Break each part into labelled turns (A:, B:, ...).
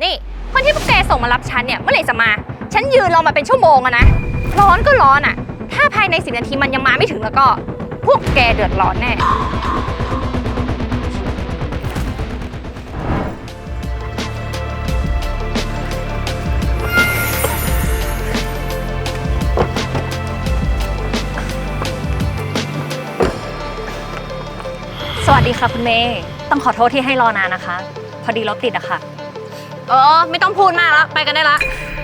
A: นี่คนที่พวกแกส่งมารับฉันเนี่ยเมื่อไหร่จะมาฉันยืนรอมาเป็นชั่วโมงอะนะร้อนก็ร้อนอะถ้าภายใน10 นาทีมันยังมาไม่ถึงแล้วก็พวกแกเดือดร้อนแน่
B: สวัสดีค่ะคุณเมย์ต้องขอโทษที่ให้รอนานนะคะพอดีรถติดอะค่ะ
A: ไม่ต้องพูดมากแล้วไปกันได้ละ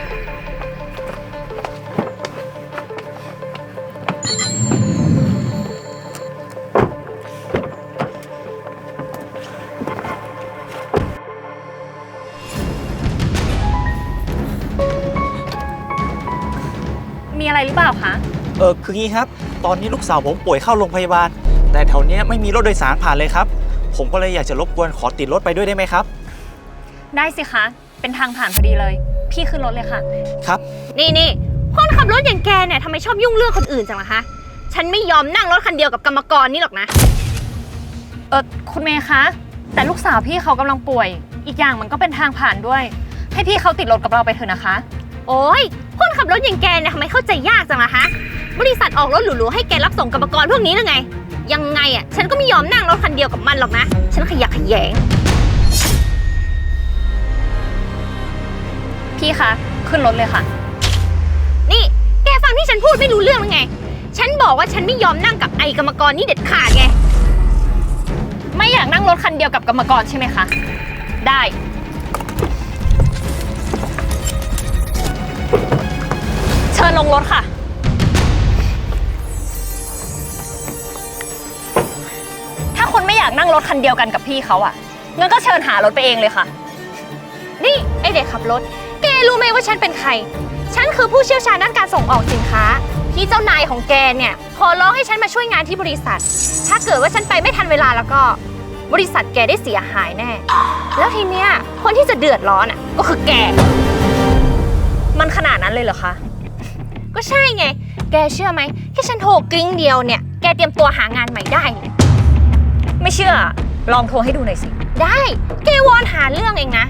B: มีอะไรหรือเปล่าคะ
C: คืองี้ครับตอนนี้ลูกสาวผมป่วยเข้าโรงพยาบาลแต่แถวนี้ไม่มีรถโดยสารผ่านเลยครับผมก็เลยอยากจะรบกวนขอติดรถไปด้วยได้ไหมครับ
B: ได้สิคะเป็นทางผ่านพอดีเลยพี่ขึ้นรถเลยค่ะ
C: ครับ
A: นี่คนขับรถอย่างแกเนี่ยทำไมชอบยุ่งเรื่องคนอื่นจังล่ะคะฉันไม่ยอมนั่งรถคันเดียวกับกรรมกรนี่หรอกนะ
B: คุณเมย์คะแต่ลูกสาวพี่เขากำลังป่วยอีกอย่างมันก็เป็นทางผ่านด้วยให้พี่เขาติดรถกับเราไปเถอะนะคะ
A: โอ้ยคนขับรถอย่างแกเนี่ยทำไมเข้าใจยากจังล่ะคะบริษัทออกรถหรูๆให้แกรับส่งกรรมกรพวกนี้หรือไงยังไงอ่ะฉันก็ไม่ยอมนั่งรถคันเดียวกับมันหรอกนะฉันขยะแขยง
B: พี่คะขึ้นรถเลยค่ะ
A: นี่แกฟังที่ฉันพูดไม่รู้เรื่องหรือไงฉันบอกว่าฉันไม่ยอมนั่งกับไอกรรมกรนี่เด็ดขาดไง
B: ไม่อยากนั่งรถคันเดียวกับกรรมกรใช่ไหมคะได้เชิญลงรถค่ะถ้าคุณไม่อยากนั่งรถคันเดียวกันกับพี่เขาอ่ะงั้นก็เชิญหารถไปเองเลยค่ะ
A: นี่ไอเด็กขับรถแกรู้ไหมว่าฉันเป็นใครฉันคือผู้เชี่ยวชาญด้านการส่งออกสินค้าที่เจ้านายของแกเนี่ยขอร้องให้ฉันมาช่วยงานที่บริษัทถ้าเกิดว่าฉันไปไม่ทันเวลาแล้วก็บริษัทแกได้เสียหายแน่แล้วทีเนี้ยคนที่จะเดือดร้อนอ่ะก็คือแก
B: มันขนาดนั้นเลยเหรอคะ
A: ก็ใช่ไงแกเชื่อไหมแค่ฉันโทรกริ้งเดียวเนี่ยแกเตรียมตัวหางานใหม่ได้เลย
B: ไม่เชื่อลองโทรให้ดูหน่อยสิ
A: ได้แกวอนหาเรื่องเองนะ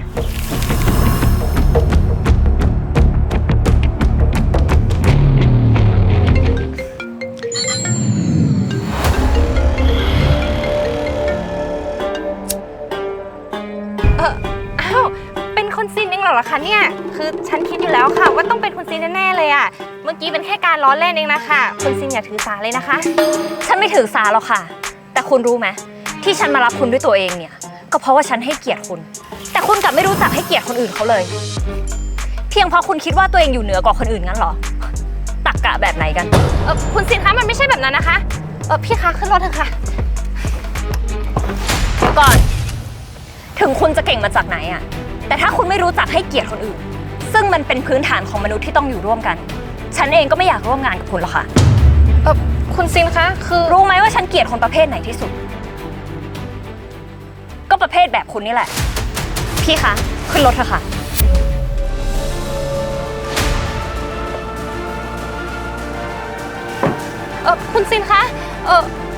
A: อ้าวเป็นคุณซินเองเหรอคะเนี่ยคือฉันคิดอยู่แล้วค่ะว่าต้องเป็นคุณซินแน่ๆเลยอ่ะเมื่อกี้เป็นแค่การล้อเล่นเองนะคะคุณซินอย่าถือสาเลยนะคะ
B: ฉันไม่ถือสาหรอกค่ะแต่คุณรู้ไหมที่ฉันมารับคุณด้วยตัวเองเนี่ยก็เพราะว่าฉันให้เกียรติคุณแต่คุณกลับไม่รู้จักให้เกียรติคนอื่นเขาเลยเพียงเพราะคุณคิดว่าตัวเองอยู่เหนือกว่าคนอื่นงั้นเหรอตรรกะแบบไหนกัน
A: คุณซินคะมันไม่ใช่แบบนั้นนะคะพี่คะขึ้นรถเถอะค่ะ
B: ก่อนถึงคุณจะเก่งมาจากไหนอะแต่ถ้าคุณไม่รู้จักให้เกียรติคนอื่นซึ่งมันเป็นพื้นฐานของมนุษย์ที่ต้องอยู่ร่วมกันฉันเองก็ไม่อยากร่วมงานกับคุณหรอกค่ะ
A: คุณซินคะคือ
B: รู้ไหมว่าฉันเกลียดคนประเภทไหนที่สุดก็ประเภทแบบคุณนี่แหละพี่คะขึ้นรถเถอะค่ะ
A: คุณซินคะ